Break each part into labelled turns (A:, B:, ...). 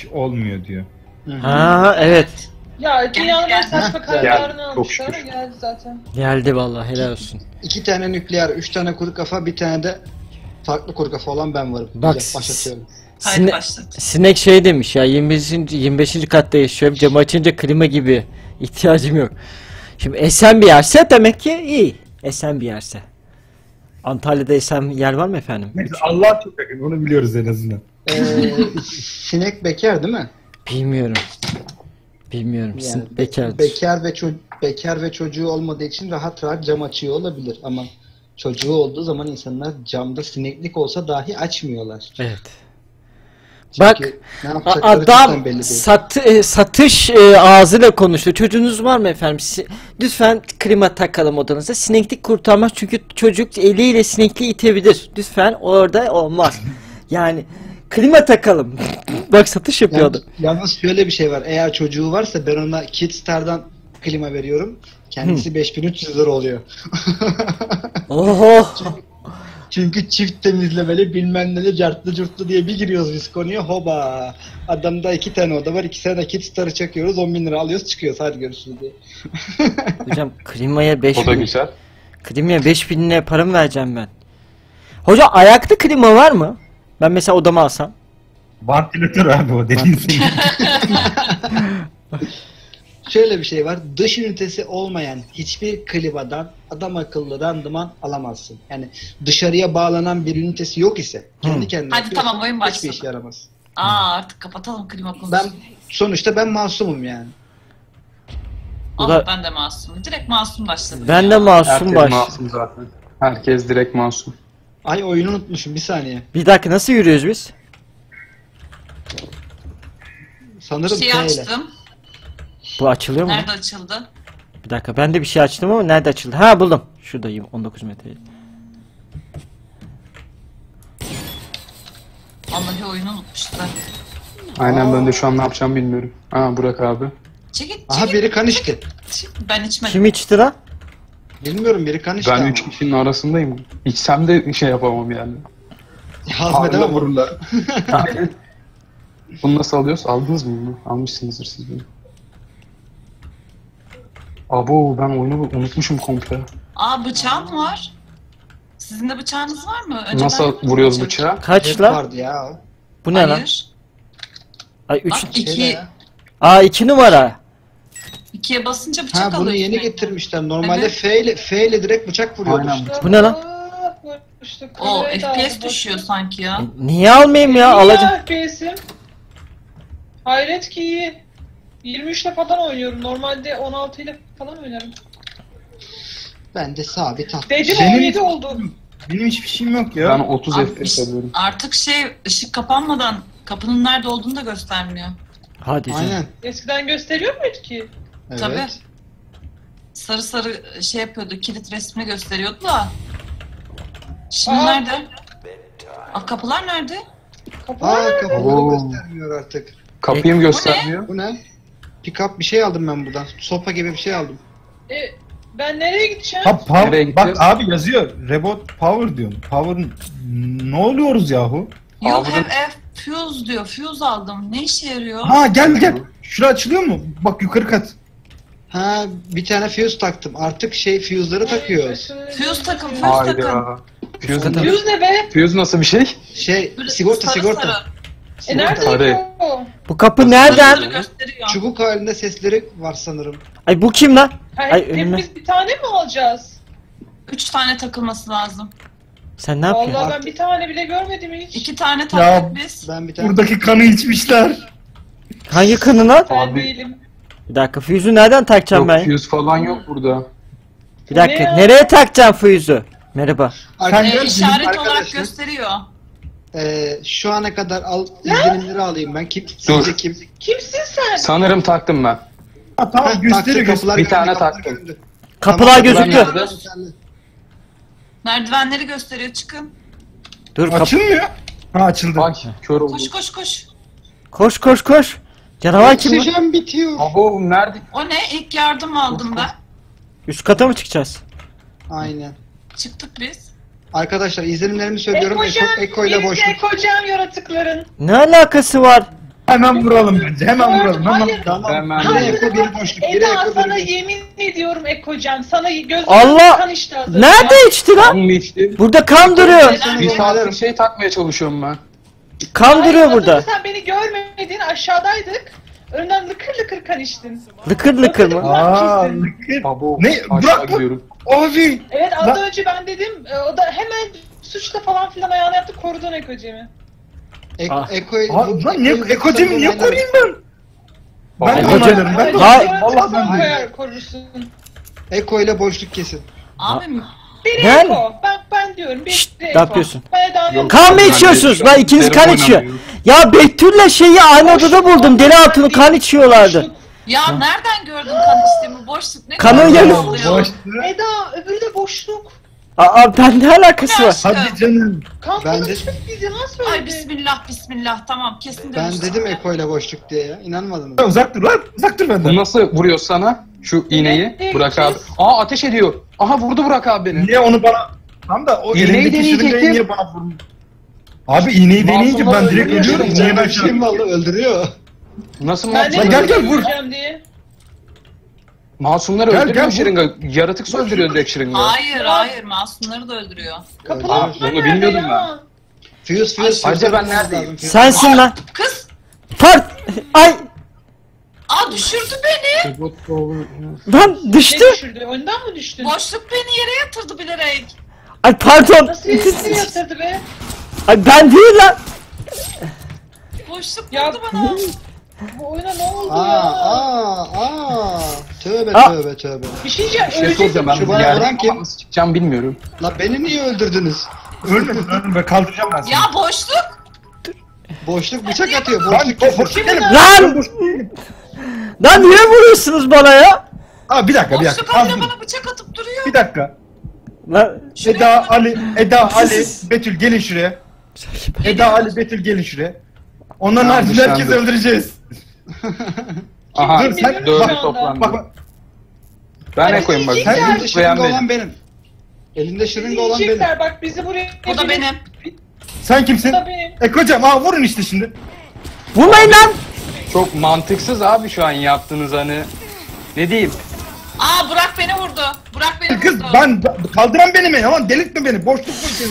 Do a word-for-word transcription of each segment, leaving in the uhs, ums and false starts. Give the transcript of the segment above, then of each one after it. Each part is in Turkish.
A: olmuyor diyor.
B: Ha evet.
C: Ya dünyanın en saçma kararlarını
D: Geldi,
C: almışlar
D: çok
C: ama
D: şükür.
C: geldi zaten.
B: Geldi vallahi, helal olsun.
E: İki tane nükleer, üç tane kuru kafa, bir tane de farklı kuru kafa olan ben varım.
B: Bak,
E: Güzel, başlatıyorum.
F: Haydi
B: Sine
F: başlat.
B: Sinek şey demiş ya, yirmi beşinci yirmi beşinci katta yaşıyorum, camı açınca klima gibi ihtiyacım yok. Şimdi esen bir yerse demek ki iyi. Esen bir yerse. Antalya'da esen yer var mı efendim?
A: Neyse, Allah çok yakın, onu biliyoruz en azından.
E: Ee, sinek bekar değil mi?
B: Bilmiyorum. Bilmiyorum.
E: Yani
B: Sin-
E: be-
B: Bekardır.
E: bekar ve ço- bekar ve çocuğu olmadığı için rahat rahat cam açıyor olabilir ama çocuğu olduğu zaman insanlar camda sineklik olsa dahi açmıyorlar.
B: Evet.
E: Çünkü
B: Bak,
E: ne
B: A-
E: yapacakları cidden
B: adam
E: belli değil.
B: sat, e, satış e, ağzıyla konuştu. Çocuğunuz var mı efendim? Si- Lütfen klima takalım odanıza. Sineklik kurtarmaz çünkü çocuk eliyle sinekliği itebilir. Lütfen orada olmaz. Yani klima takalım. Bak, satış yapıyordu.
E: Yalnız, yalnız şöyle bir şey var. Eğer çocuğu varsa ben ona Kidstar'dan klima veriyorum. Kendisi beş bin üç yüz lira oluyor.
B: Oho.
E: Çünkü çift temizlemeli bilmem ne cartlı curtlu diye bir giriyoruz biz konuya, hoba. Adamda iki tane oda var, iki tane Kidstar'ı çakıyoruz, on bin lira alıyoruz çıkıyoruz, hadi görüşürüz diye.
B: Hocam klimaya beş
D: O da
B: bin.
D: güzel.
B: Klimaya beş bin lira para mı vereceğim ben? Hocam ayaklı klima var mı? Ben mesela odama alsam.
A: Vantilatör abi o dediğin senin.
E: Şöyle bir şey var, dış ünitesi olmayan hiçbir klimadan adam akıllı randıman alamazsın. Yani dışarıya bağlanan bir ünitesi yok ise kendi kendine
F: Hadi
E: yapıyorsan
F: tamam, oyun
E: hiçbir
F: başladı.
E: işe yaramaz.
F: Aa, artık kapatalım klima konusunu.
E: Ben sonuçta ben masumum yani.
F: Ah,
B: Bu da-
F: ben de masumum. Direkt masum başladım.
B: Ben
F: ya.
B: de masum
D: Herkes
B: baş.
D: masum zaten. Herkes direkt masum.
E: Ay oyunu unutmuşum, bir saniye.
B: Bir dakika, nasıl yürüyoruz biz?
E: Sanırım
F: Şeyi
E: T ile.
F: açtım.
B: Bu açılıyor mu?
F: Nerede açıldı?
B: Bir dakika, ben de bir şey açtım ama nerede açıldı? Ha, buldum. Şuradayım, on dokuz metre.
F: Vallahi oyunu unutmuşlar.
D: Aynen, ben de şu an ne yapacağımı bilmiyorum. Aa, Burak abi.
F: Çekil,
E: Aha
F: çekil.
E: biri kan içti.
F: Ben içmedim.
B: Kim içti lan?
E: Bilmiyorum, biri kan içti
D: Ben
E: ama.
D: üç kişinin arasındayım. İçsem de şey yapamam yani.
E: Hazmedemem
D: Ağırla
E: onu.
D: vururlar. Bunu nasıl alıyoruz? Aldınız mı bunu? Almışsınızdır siz bunu. Abo, ben oyunu unutmuşum komple.
F: Aa, bıçağım var. Sizin de bıçağınız var mı? Önce
D: Nasıl
F: ben
D: vuruyoruz
F: bıçak.
D: bıçağı?
B: Kaç
E: Hep
B: lan?
E: vardı ya.
B: Bu ne lan?
F: Hayır.
B: Ay üç.
F: Bak,
E: Şeyde
F: iki,
E: ya.
B: Aa, iki numara.
F: ikiye basınca bıçak
E: Ha,
F: alıyor.
E: bunu yeni
F: sürekli.
E: getirmişler. Normalde
F: Evet.
E: F ile, F ile direkt bıçak vuruyordu.
D: Aynen.
B: Bu ne lan?
C: Aa, işte
F: O
C: kamerayı da
F: F P
C: aldı,
F: S
C: boş
F: düşüyor
C: ver.
F: sanki ya.
B: Niye almayayım ya? Alacağım.
C: İyi F P S'im. Hayret ki iyi. yirmi üçle falan oynuyorum. Normalde on altı ile falan oynarım.
E: Ben de sabit attım.
C: Dedim
A: Benim-
C: on yedi oldu.
A: Benim hiçbir şeyim yok ya.
D: Ben otuz
F: Abi,
D: F P S alıyorum.
F: Artık şey, ışık kapanmadan kapının nerede olduğunu da göstermiyor.
B: Hadi canım.
E: Aynen.
C: Eskiden gösteriyor muydu ki?
E: Evet.
F: Tabii. Sarı sarı şey yapıyordu, kilit resmini gösteriyordu da. Şimdi
C: Aa.
F: nerede? Aa, kapılar nerede?
C: Kapalı.
E: Aa, kafaları
D: Oo.
E: göstermiyor artık.
D: Kapıyı mı göstermiyor?
E: Bu ne? Pick up bir şey aldım ben buradan. Sopa gibi bir şey aldım.
C: E, ben nereye gideceğim?
A: Ha, pow-
D: Nereye
A: bak
D: gideceğiz?
A: abi yazıyor. Robot power diyorsun. Power ne oluyoruz yahu?
F: You
D: Aldın.
F: have a fuse diyor. Fuse aldım. Ne işe yarıyor?
A: Ha, gel gel. Şura açılıyor mu? Bak, yukarı kat.
E: Ha, bir tane fuse taktım. Artık şey fuse'ları takıyoruz.
F: Fuse takın, fuse takın.
D: Hayda. Fuse,
C: Fuse ne be?
D: Fuse nasıl bir şey?
E: Şey,
F: Böyle
E: sigorta
F: sarı
E: sigorta.
F: sarı.
C: E nerede
D: Sarı.
C: o?
B: Bu kapı
F: Sarı
B: nereden?
F: sarı gösteriyor.
E: Çubuk halinde sesleri var sanırım.
B: Ay, bu kim lan?
C: Hayır,
B: Ay, önüme.
C: hepimiz bir tane mi alacağız?
F: Üç tane takılması lazım.
B: Sen ne yapıyorsun?
C: Vallahi ben bir tane bile görmedim hiç.
F: İki tane taktık biz.
E: Ben bir tane...
A: Buradaki kanı içmişler.
B: Hangi kanı lan?
C: Ben
D: Abi.
C: değilim.
B: Bir dakika, füzü nereden takacağım
D: Yok,
B: ben?
D: fuse falan yok burada.
B: Bir dakika,
C: Ne ya?
B: nereye takacağım füzü? Merhaba.
E: Arka-
F: Ee,
A: gel,
F: işaret olarak
E: arkadaşlar,
F: gösteriyor.
E: e, şu ana kadar al, izlenimleri alayım ben. Kim, sizce kim?
C: Kimsin sen?
D: Sanırım taktım ben.
A: Ha, tamam,
E: Heh,
A: gösteriyor
E: taktı,
A: gösteriyor.
E: kapılar
D: Bir
E: göründü,
D: tane
E: kapılar
D: taktım.
E: göründü.
B: Kapılar
E: Tamam,
B: gözüküyor.
D: nerede?
E: Yeterli.
F: Merdivenleri gösteriyor. Çıkın.
B: Dur, kapı.
A: Açılmıyor. Ha, açıldı.
D: Ay, kör oldum.
F: Koş koş koş.
B: Koş koş koş. Canavar kim lan?
E: Oksijen bitiyor.
D: Abo, nerede?
F: O ne? İlk yardım aldım ben.
B: Üst kata mı çıkacağız?
E: Aynen.
F: Çıktık biz.
E: Arkadaşlar izlenimlerimi söylüyorum. Eko,
C: Ekocan,
E: Eko ile
C: birisi
E: boşluk.
C: ekocan yaratıkların.
B: Ne alakası var?
A: Hemen vuralım bence. Hemen vuralım. Hemen.
C: Hayır.
E: Tamam.
D: Hemen
E: Biri
C: Hayır.
E: Eko biri boşluk. Biri
C: Eda
E: Eko
C: sana
E: biri boşluk.
C: yemin ediyorum Ekocan. Sana gözümden
B: Allah!
C: kan içti az önce.
B: Nerede içti
D: Kan
B: lan?
D: mı içti?
B: Burada kan duruyor.
D: Bir saattir şey takmaya çalışıyorum ben.
B: Kan
C: Hayır,
B: duruyor
C: az
B: burada.
C: önce sen beni görmedin, aşağıdaydık. Önden lıkır lıkır kan içtin.
B: Lıkır lıkır mı?
A: Aa,
C: Kesin.
A: lıkır.
D: Babo
A: Ne?
D: aşağı
A: Bırak bak.
D: gidiyorum.
A: Abi.
C: Evet az
A: Lan-
C: önce ben dedim, e, o da hemen suçla falan filan ayağına yaptı, korudun Ekocem'i.
E: Ek,
B: Ah.
E: Eko'yu...
A: Abi lan niye Ekocem'i niye koruyayım ben? Ben de
D: Ekocem-
A: onaylarım. Ben de
B: Hayır.
A: onaylarım.
C: Vallahi
A: Vallahi ben de.
C: koyar, korursun.
E: Eko ile boşluk kesin.
F: Abim
C: Biri
B: Ben-
C: Eko, ben, ben diyorum, biri
B: Şşt,
C: Eko.
B: ne yapıyorsun?
C: Ben Eda'nın
D: Yok.
B: Kan mı
D: Ben de
B: içiyorsunuz?
D: şu
B: Lan
D: an
B: ikiniz kan
D: telefon
B: içiyor.
D: oynamıyorum.
B: Ya Betül'le şeyi aynı odada buldum. Deli Hatun'u kan içiyorlardı.
F: ya nereden gördün kan içtiğimi? Boşluk ne
B: Kanın
F: kadar
B: yanı-
F: oluyor?
A: Boş.
C: Eda, öbürü de boşluk.
B: Aa ben ne alakası var?
A: Hadi canım.
C: Kan
E: Ben de-
C: konuştuk biz, yalan
F: Ay
C: söyledi.
F: bismillah bismillah tamam kesin
E: Ben
F: demiştim
E: dedim
F: ya.
E: Eko ile boşluk diye ya. İnanmadınız.
A: Uzak dur lan. Uzak dur
D: Bu
A: benden.
D: nasıl vuruyor sana? Şu iğneyi.
C: Ne
D: Burak abi.
C: yapacağız?
D: Aa ateş ediyor. Aha vurdu Burak abi beni.
A: Niye onu bana... Tam da o
D: İğneyi
A: elindeki
D: deneyecektim.
A: şırıngayı niye bana vurmuş? Abi iğneyi deneyince ben
D: Masumlar
A: direkt
D: öldürüyor
A: ölüyorum.
D: işte.
A: Niye ben
E: Şey mi vallahi öldürüyor.
D: Nasıl
C: Ben de
A: Lan
D: masumlar?
A: gel, gel, vur.
C: öldüreceğim diye.
D: Masumları
A: Gel,
D: öldürüyor
A: gel,
D: şırınga. Yaratıksa öldürüyor direkt şırınga.
F: Hayır hayır masumları da öldürüyor.
C: Kapılar
D: Aa, bunu bilmiyordum ben.
E: Fuse fuse.
D: Ayrıca ben
E: fuse
D: neredeyim?
E: lazım, fuse.
B: Sensin lan.
F: Kız!
B: Part. Ay
F: Aa düşürdü beni!
B: lan
C: Ne
B: düştü.
C: düşürdü? Önden mi düştün?
F: Boşluk beni yere yatırdı bilerek.
B: Ay pardon.
C: Nasıl yetişti yatırdı be?
B: Ay ben değil lan.
F: Boşluk
C: Ya-
F: vurdu bana.
C: Bu oyuna ne oldu
E: Aa
C: ya?
E: aa aa. Tövbe
B: Aa.
E: tövbe tövbe.
C: Bir şey diyeceğim,
D: Bir şey
C: ölecek
D: soracağım ben
E: Şu
D: bu
E: bana
D: yerde
E: vuran kim?
D: ama nasıl çıkacağım bilmiyorum.
E: La beni niye öldürdünüz?
A: Ölmedim ölmedim. Ben kaldıracağım ben seni.
F: Ya boşluk!
E: Boşluk bıçak atıyor.
A: Lan
E: Boşluk kesin.
A: boş değilim.
B: Lan. Lan niye vuruyorsunuz bana ya?
A: Aa bir dakika bir
F: Boşluk
A: dakika.
F: habire
A: Az dur.
F: bana bıçak atıp duruyor.
A: Bir dakika.
B: Lan
A: Eda, Ali, Eda, Ali, Betül gelin şuraya. Eda, Ali, Betül gelin şuraya. Onların
D: Tamam,
A: haricinde herkesi
D: dışlandı.
A: öldüreceğiz.
D: Aha
C: Kim bilir
D: dördü
C: şu anda?
D: toplandı.
A: Bak bak.
D: Ben ne
C: Hadi
D: koyayım bak.
C: diyecekler.
E: Elinde
D: Ben
E: şırınga olan
D: beğenmedim.
E: benim. Elinde
C: Bizi
E: şırınga olan benim.
C: yiyecekler, bak bizi buraya...
F: Bu da benim.
A: Sen kimsin?
C: Bu da benim.
A: Ekocam aa vurun işte şimdi.
B: vurmayın lan.
D: Çok mantıksız abi şu an yaptığınız hani. Ne diyeyim?
F: Aa Burak beni vurdu. Burak beni
A: Kız
F: vurdu.
A: ben kaldıran benim ya lan delirtme beni boşluk bu seni.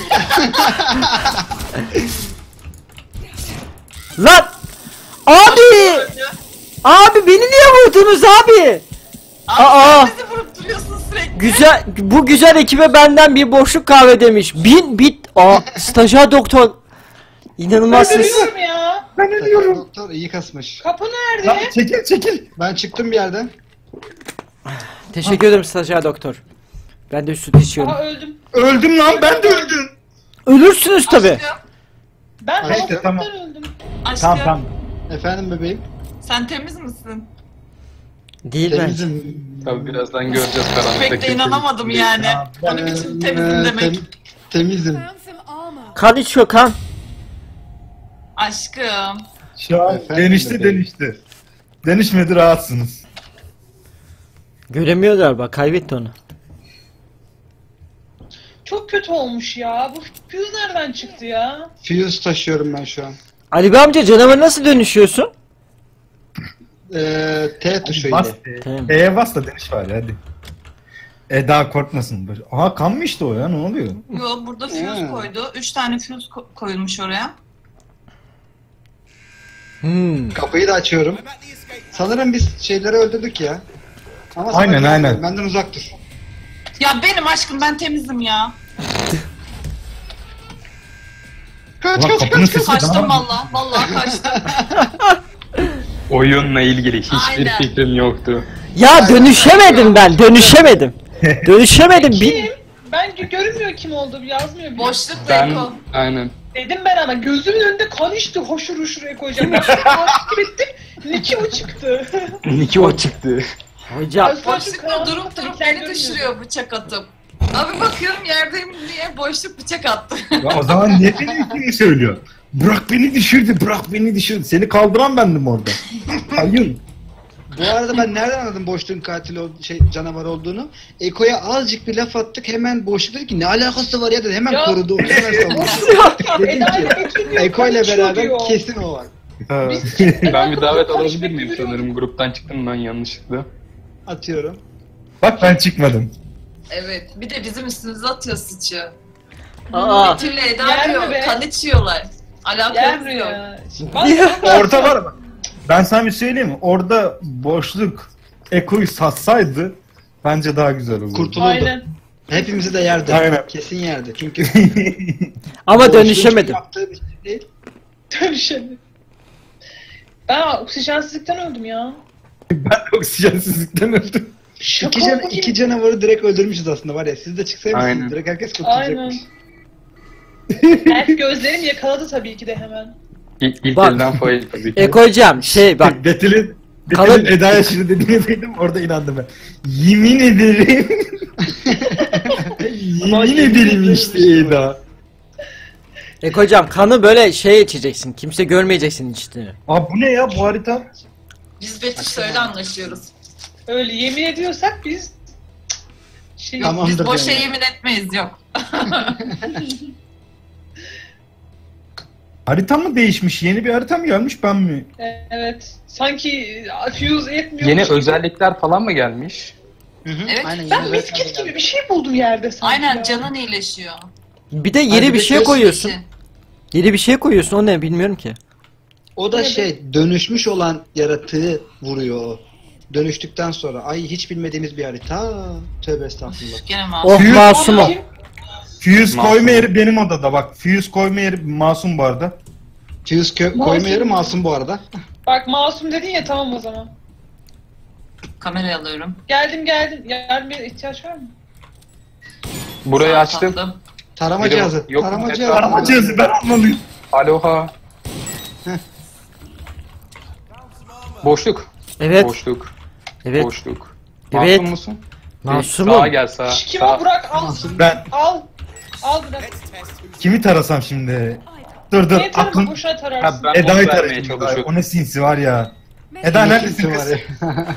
B: Lan. Abi. Abi beni niye vurdunuz abi?
F: Abi
B: Aa.
F: sen bizi vurup duruyorsun sürekli.
B: Güzel bu güzel ekibe benden bir boşluk kahve demiş. Bin bit. Aa stajyer doktor. İnanılmazsınız.
C: Öldürüyorum ya.
A: Ben ölüyorum.
E: Doktor iyi kasmış.
C: Kapı
A: Lan
C: nerede?
A: çekil çekil.
E: Ben çıktım bir yerden.
B: Teşekkür ederim stajyer doktor. Ben de süt içiyorum.
C: Aha öldüm.
A: Öldüm lan ben de öldüm.
B: Ölürsünüz tabi.
F: Aşkım.
C: Ben
E: Ha, işte,
C: hastalıktan
A: tamam.
C: öldüm.
F: Aşkım.
A: Tamam tamam.
E: Efendim bebeğim.
F: Sen temiz misin?
B: Değil bence.
E: Temizim.
D: Tabii birazdan göreceğiz karanlıktaki.
F: Pek de inanamadım yani. O ne biçim temizim
E: Ee,
F: demek.
E: tem- temizim.
B: Kan içiyor kan.
F: Aşkım.
A: Şu an
E: Efendim
A: denişti
E: bebeğim.
A: denişti. Denişmedi rahatsınız.
B: Göremiyor galiba kaybetti onu.
C: Çok kötü olmuş ya. Bu fuse nereden çıktı ya?
E: Fuse taşıyorum ben şu an.
B: Ali Bey amca canavara nasıl dönüşüyorsun?
E: Ee, T tuşu
A: Bas.
E: ile.
B: Tamam.
A: E'ye bas da deniş var hadi. Eda korkmasın. Böyle. Aha kan mı işte o ya ne oluyor?
F: Yo burada fuse
E: Hmm.
F: koydu. Üç tane fuse ko- koyulmuş oraya.
B: Hmm.
E: Kapıyı da açıyorum. Sanırım biz şeyleri öldürdük ya. Ama sana
A: Aynen,
E: güvenmiyorum.
A: aynen.
E: Benden uzak dur.
F: Ya benim aşkım ben temizim ya.
E: Kaç
A: Ulan
E: kaç
A: kapının
E: kaç.
A: sesi
F: Kaçtım
A: daha...
F: valla. Valla kaçtım.
D: Oyunla ilgili hiçbir
F: Aynen.
D: fikrim yoktu.
B: Ya dönüşemedim ben dönüşemedim. Dönüşemedim. Bir...
C: Kim? Ben gö- görünmüyor kim oldu, yazmıyor bile.
F: Boşluk
D: Ben
F: Beko.
D: aynen.
C: Dedim ben ama gözümün önünde kan içti, hoşur hoşur Ekocan. Ben takip ettim, Niki o çıktı.
D: Niki o çıktı.
B: Hocam
F: Boşluk da durup durup beni düşürüyor bıçak atıp. Abi bakıyorum yerdeyim diye boşluk bıçak attı.
A: Ya o zaman niye beni ikini söylüyor? Bırak beni düşürdü, bırak beni düşürdü. Seni kaldıran bendim orada. Hayır.
E: Bu arada ben nereden anladım boşluğun katil ol şey canavar olduğunu? Eko'ya azıcık bir laf attık hemen boşluk dedi ki ne alakası var ya dedi hemen
C: Ya.
E: korudu. Hemen savundu.
C: Boşluk
E: Dedim
C: Eda
E: ki
C: ile Betül diyor,
E: Eko
C: kan
E: ile
C: içiyor
E: beraber
C: diyor.
E: kesin o var.
A: Ha.
D: Ben bir davet alabilir miyim sanırım? Gruptan çıktım ben yanlışlıkla.
E: Atıyorum.
A: Bak ben çıkmadım.
F: Evet. Bir de bizim üstümüze atıyor sıçı.
B: Aa.
F: Betül'le Eda
C: Yer mi
F: diyor.
C: be?
F: Kan içiyorlar.
C: Gel
F: Alakası
C: buraya.
F: yok.
C: Bak,
A: Orada var mı? Ben sana bir söyleyeyim mi? Orada boşluk Eko'yu satsaydı bence daha güzel olurdu.
E: Kurtulurdu.
C: Aynen.
E: Hepimizi de yerdi.
A: Aynen.
E: Kesin yerdi. Çünkü
B: Ama
E: boşluğun
B: dönüşemedim.
E: yaptığı bir şey değil.
C: Dönüşelim. Ben oksijensizlikten öldüm ya.
A: Ben de oksijensizlikten öldüm.
C: Şaka
E: İki, can,
C: gibi.
E: iki canavarı direkt öldürmüşüz aslında var ya. Siz de çıksaymışsınız.
D: Aynen.
E: Direkt herkes
C: Aynen.
E: kurtulacakmış.
C: Elf gözlerim yakaladı tabii ki de hemen.
D: İlk, ilk
B: Bak.
D: elden fail tabii ki.
B: Eko'cam şey bak.
A: Betül'ün
B: Kalın-
A: Betül'ün Eda'ya şimdi dediğini duydum orada inandım ben. Yemin ederim. Yemin ederim işte Eda.
B: Eko'cam kanı böyle şey içeceksin. Kimse görmeyeceksin içtiğini.
A: Abi bu ne ya bu harita?
F: Biz Betüş'le öyle anlaşıyoruz.
C: Öyle yemin ediyorsak biz şey
E: Tamam.
F: Biz
E: Anladım
F: boşa
E: yani.
F: yemin etmeyiz yok.
A: Harita mı değişmiş? Yeni bir harita mı gelmiş ben mi?
C: evet. Sanki fuse etmiyor.
D: Yeni özellikler falan mı gelmiş?
E: Hı hı.
F: Evet,
E: Aynen,
C: Ben
E: yeni
C: misket
E: versiyon
C: gibi
E: geldi.
C: bir şey buldum yerde sanki.
F: Aynen
C: ya.
F: canın iyileşiyor.
B: Bir de yeni
E: Hadi
B: bir şey
E: bekliyorsun
B: koyuyorsun.
F: İşte.
B: Yeni bir şey koyuyorsun. O ne bilmiyorum ki.
E: O da şey dönüşmüş olan yaratığı vuruyor o. Dönüştükten sonra. Ay hiç bilmediğimiz bir harita. Tövbe estağfurullah.
F: Gene masum.
B: Oh
A: Büyük-
B: masum o.
C: Kim?
A: Fuse
D: Masum.
A: koyma yeri benim odada bak. Fuse koyma yeri masum bu arada.
E: Fuse kö-
C: Masum.
E: koyma yeri masum bu arada.
C: Bak masum dedin ya tamam o zaman.
F: Kamerayı alıyorum.
C: Geldim geldim. Yardıma ihtiyaç var mı?
D: Burayı
F: Sağ
D: açtım.
F: tatlım.
E: Tarama
D: Biri-
E: cihazı.
D: yok,
E: Tarama
D: etrafı-
E: cihazı.
A: Arama cihazı ben almalıyım.
D: Aloha. Boşluk.
B: Evet.
D: Boşluk.
B: Evet.
D: Boşluk.
B: Evet.
D: Masum musun?
B: Masumum.
D: Sağa gel sağa.
C: Şş, Kim
D: Sağa.
C: o Burak al.
A: Ben
C: Al. Al Burak.
A: kimi tarasam şimdi? Dur dur
C: Niye tarama
A: aklım
C: boşuna
D: Ha,
C: tararsın?
D: ben
A: Eda'yı
D: onu vermeye
A: tarayayım.
D: çalışıyorum.
A: O ne sinsi var ya. Eda neredesin
E: Var
A: kız?
E: ya.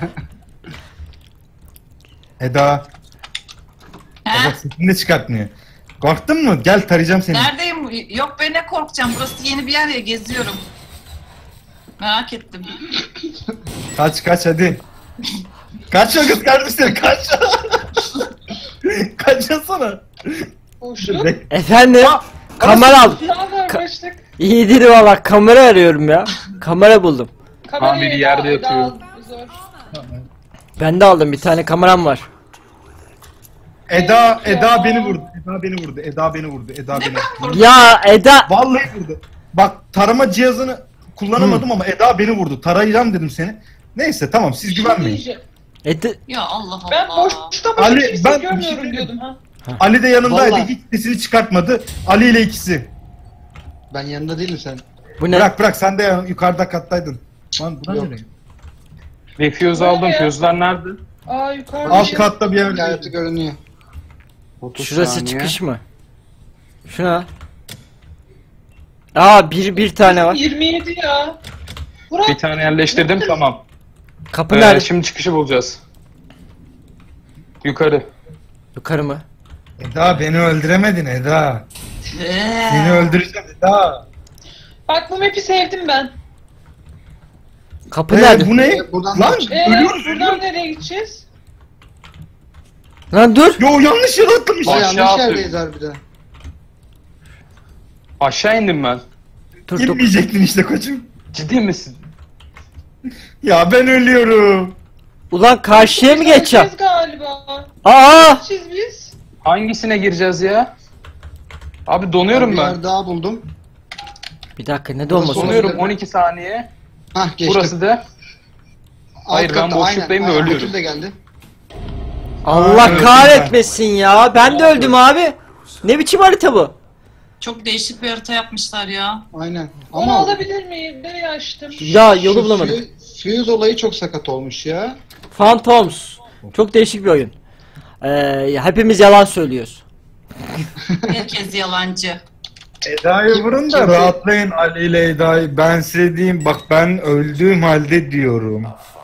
A: Eda.
F: He?
A: Bak sesini de çıkartmıyor. Korktun mu? Gel tarayacağım seni.
F: Neredeyim? Yok be ne korkacağım. Burası yeni bir yer ya geziyorum. Merak ettim.
A: Kaç kaç hadi. Kaç o kız kardeşlerim kaç. Kaçasana.
C: Boşluk.
A: Bek-
B: Efendim? Kamera al.
C: Ne haber boşluk?
B: İyidir valla. Kamera arıyorum ya. Kamera buldum.
C: Kamerayı
D: biri
C: Eda-
D: yerde
C: Eda
D: yatıyor.
C: al, zor.
B: Ben de aldım. Bir tane kameram var.
A: Eda
C: Ya.
A: Eda beni vurdu. Eda beni vurdu. Eda beni vurdu. Eda beni. vurdu.
B: Ya Eda.
A: Vallahi vurdu. Bak tarama cihazını kullanamadım ama Eda beni vurdu. Tarayacağım dedim seni. Neyse tamam siz
C: Bir şey
A: güvenmeyin.
C: diyeceğim.
B: Eda.
F: Ya Allah Allah.
C: Ben boşlukta başka
A: Ali,
C: kimse
A: ben-
C: görmüyorum diyordum ha.
A: Ali de yanımdaydı.
E: Vallahi.
A: Hiç sesini çıkartmadı. Ali ile ikisi.
E: Ben yanında değilim sen.
B: Bu ne?
A: Bırak bırak sen de ya- yukarıda kattaydın. Lan buna
E: Yok.
A: nereye?
D: Bir fuse
C: Buraya.
D: aldım. Fuse'lar nerede?
C: Aa yukarıda.
A: Alt
C: şey-
A: katta bir yer.
E: Hayatı görünüyor.
D: otuz
B: Şurası
D: saniye.
B: çıkış mı? Şuna. Aa bir bir tane var.
C: yirmi yedi ya. Burak.
D: Bir tane yerleştirdim tamam.
B: Kapı
D: Ee,
B: nerede?
D: şimdi çıkışı bulacağız. Yukarı.
B: Yukarı mı?
A: Eda beni öldüremedin Eda.
F: Ee,
A: Seni öldüreceğim Eda.
C: Bak bu map'i sevdim ben.
B: Kapı
A: Ee,
B: nerede?
A: bu ne?
E: Ee, buradan
A: Lan
E: da-
C: Ee,
A: ölüyoruz
C: buradan
A: ölüyoruz.
C: nereye gideceğiz?
B: Lan dur.
A: Yo yanlış yere atlamış.
E: Aa,
D: Aşağı
E: yanlış
D: atıyor.
E: yerdeyiz harbiden.
D: Aşağı indim ben.
B: Dur dur.
A: Girmeyecektin işte koçum.
D: Ciddi misin?
A: Ya ben ölüyorum.
B: Ulan karşıya mı geçeceğim?
C: Gideceğiz galiba.
B: Aa!
C: Gideceğiz biz.
D: Hangisine gireceğiz ya? Abi
E: Bir
D: donuyorum ben.
E: yer daha buldum.
B: Bir dakika ne
E: Burası
B: dolması?
E: olabilir.
D: Donuyorum on iki saniye.
E: Hah geçtim.
D: Burası da.
E: Alt
D: Hayır, ben
E: katta,
D: boşluktayım
E: aynen,
D: ve
E: aynen,
D: ölüyorum.
E: Betül de geldi.
B: Allah
A: öldüm
B: kahretmesin ya. Ben de öldüm abi. Ne biçim harita bu?
F: çok değişik bir harita yapmışlar ya.
E: Aynen.
C: Onu
E: Ama
C: alabilir miyim? Nereye açtım?
B: Ya yolu
E: şu
B: bulamadım.
E: Fuse, Fuse olayı çok sakat olmuş ya.
B: Phantoms. Çok değişik bir oyun. Ee, hepimiz yalan söylüyoruz.
F: Herkes yalancı.
A: Eda'yı
E: Kim-
A: vurun da
E: kimse-
A: rahatlayın Ali ile Eda'yı. Ben size diyeyim bak ben öldüğüm halde diyorum.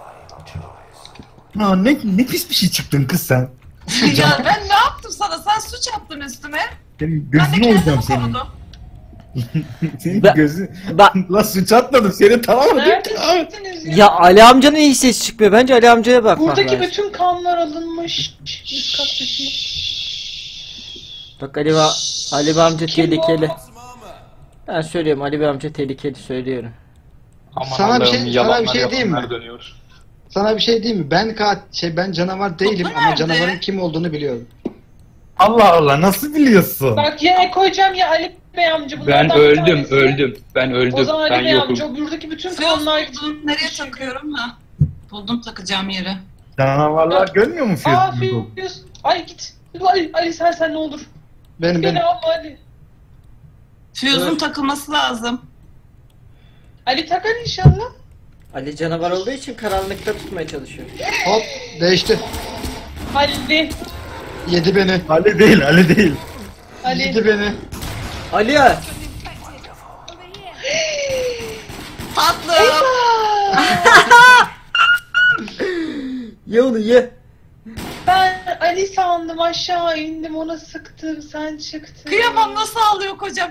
A: Ha, ne, ne pis bir şey çıktın kız sen.
F: ya ben ne yaptım sana? Sen suç attın üstüme.
A: Senin
F: Ben de
A: gözünü olacağım
F: kendimi
A: senin.
F: korudum.
A: Senin
B: Ben-
A: gözün...
B: Bak
A: Lan suç atmadım seni tamam mı?
C: Neredesiniz ya?
B: ya Ali amcanın iyi ses çıkmıyor. Bence Ali amcaya bakmak
C: Buradaki
B: lazım.
C: bütün kanlar alınmış. Üst kat dışında.
B: Bak Ali, va Ali amca
C: Kim bu?
B: tehlikeli. Ben söylüyorum Ali Bey amca tehlikeli söylüyorum.
D: Aman
E: Sana bir
D: Allah'ım,
E: şey- sana bir
D: yalanlar
E: şey diyeyim mi?
D: yalanlar dönüyor.
E: Sana bir şey diyeyim mi? Ben kat şey ben canavar değilim
F: Mutlu
E: ama
F: nerede?
E: canavarın kim olduğunu biliyorum.
A: Allah Allah nasıl biliyorsun?
C: Bak ya koyacağım ya Ali Bey amca.
D: Ben
C: bunlardan bir
D: öldüm,
C: tanesi.
D: öldüm. Ben
C: O
D: öldüm.
C: zaman
D: Ben
C: Ali Bey
D: yokum.
C: amca buradaki bütün
F: Fiyos
C: kanlar...
F: buldum. Nereye takıyorum ha? Buldum takacağım yeri.
A: Canavarlar görmüyor mu
C: Aa
A: Fiyos'un?
C: Fiyos. Ay git. Ali, Ali sen sen ne olur.
E: Benim benim.
C: Beni alma Ali.
F: Füyüzün
E: Evet.
F: takılması lazım.
C: Ali takar inşallah.
B: Ali canavar olduğu için karanlıkta tutmaya çalışıyor.
E: Hop değişti.
C: Ali.
E: Yedi beni.
A: Ali değil Ali değil.
C: Ali.
E: Yedi beni.
B: Ali ya.
F: Tatlım.
B: Ye onu ye.
C: Ben Ali sandım aşağı indim ona sıktım sen çıktın.
F: Kıyamam, nasıl ağlıyor kocam.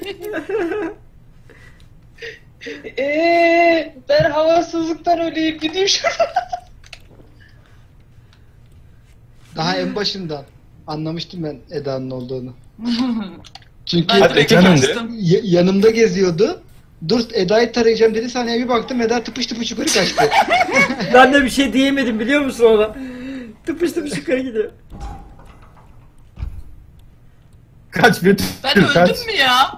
C: Eee ben havasızlıktan öleyim gideyim şuradan.
E: Daha en başından anlamıştım ben Eda'nın olduğunu. Çünkü
F: Ben direkt
A: canım de.
F: kaçtım.
E: y- yanımda geziyordu. Dur Eda'yı tarayacağım dedi, saniye bir baktım Eda tıpış tıpış yukarı kaçtı.
B: Ben de bir şey diyemedim biliyor musun ona? Tıpış tıpış yukarı gidiyor.
A: Kaç bir
F: Ben
A: kaç.
F: öldüm mü ya?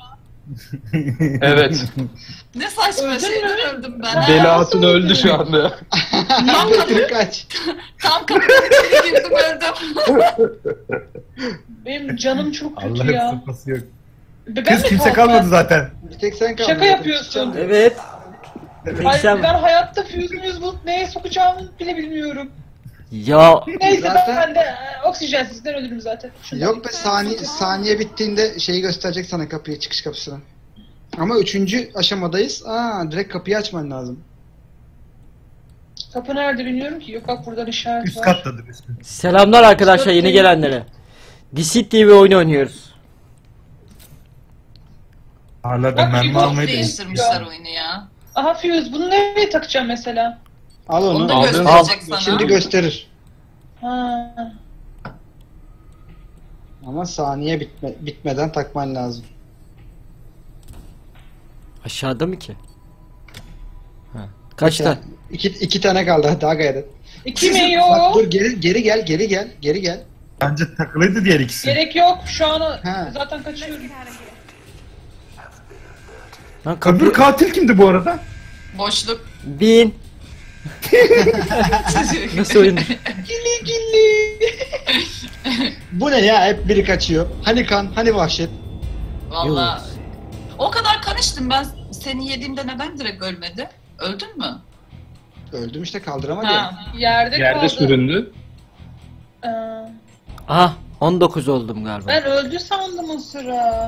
D: Evet.
F: Ne saçma
C: Öldün
F: şeyden
C: mü?
F: öldüm ben.
C: Ha.
D: Deli
C: nasıl
D: Hatun
C: öldün?
D: öldü şu anda.
F: Tam,
E: Betül kaç.
F: tam kapının içine girdim öldüm.
C: Benim canım çok kötü
A: Allah'ın
C: ya.
A: sıfası yok.
C: Ben
A: Kız
C: mi
A: kimse
C: kalkmam?
A: kalmadı zaten.
E: Bir tek sen kaldın.
C: Şaka yapıyorsun.
B: Evet.
C: Ay,
B: Sen...
C: ben hayatta füze yüz bulup neye sokacağımı bile bilmiyorum.
B: Ya
C: Neyse
E: Zaten-
C: ben de e, oksijensizden ölürüm zaten. Şundan
E: Yok be saniye, saniye bittiğinde şeyi gösterecek sana, kapıyı, çıkış kapısını. Ama üçüncü aşamadayız. Aa, direkt kapıyı açman lazım.
C: Kapı nerede bilmiyorum ki. Yok bak buradan işaret
A: Üst
C: var.
A: kattadır üst kat.
B: selamlar arkadaşlar yeni gelenlere. Deceit diye bir oyun oynuyoruz.
A: Hala
C: Bak,
A: ben mermi
C: bir bok
A: almayı da
F: Değiştirmişler oyunu ya.
C: Aha füze bunu nereye takacağım mesela?
E: Al onu.
F: Onu da
E: Al.
F: gösterecek sana.
E: Şimdi gösterir.
C: Ha.
E: Ama saniye bitme, bitmeden takman lazım.
B: Aşağıda mı ki? Ha. Kaçta?
E: İki, iki tane kaldı, daha gayret.
C: İki mi
E: Bak
C: yok?
E: dur, geri, geri gel, geri gel, geri gel.
A: Bence takılıydı diğer ikisi.
C: Gerek yok. Şu an
E: Ha.
C: zaten kaçıyorum.
B: Lan kapı...
A: Öbür katil kimdi bu arada?
F: Boşluk.
B: Bin. Nasıl oyun?
C: Gili gili.
E: Bu ne ya, hep biri kaçıyor. Hani kan, hani vahşet.
F: Valla. O kadar kan içtim ben, seni yediğimde neden direkt ölmedi? Öldün mü?
E: Öldüm işte, kaldıramadı ya.
F: Ha.
C: Yerde,
D: Yerde
C: kaldı.
D: süründü.
C: Ee,
B: Aha on dokuz oldum galiba.
C: ben öldü sandım o sıra.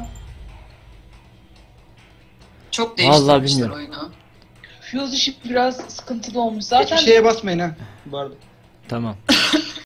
F: Çok
B: Vallahi
F: değiştirmişler
B: bilmiyorum.
F: oyunu.
C: Fuse işi biraz sıkıntılı olmuş. Zaten
E: Hiçbir şeye basmayın ha. Bu arada.
B: Tamam.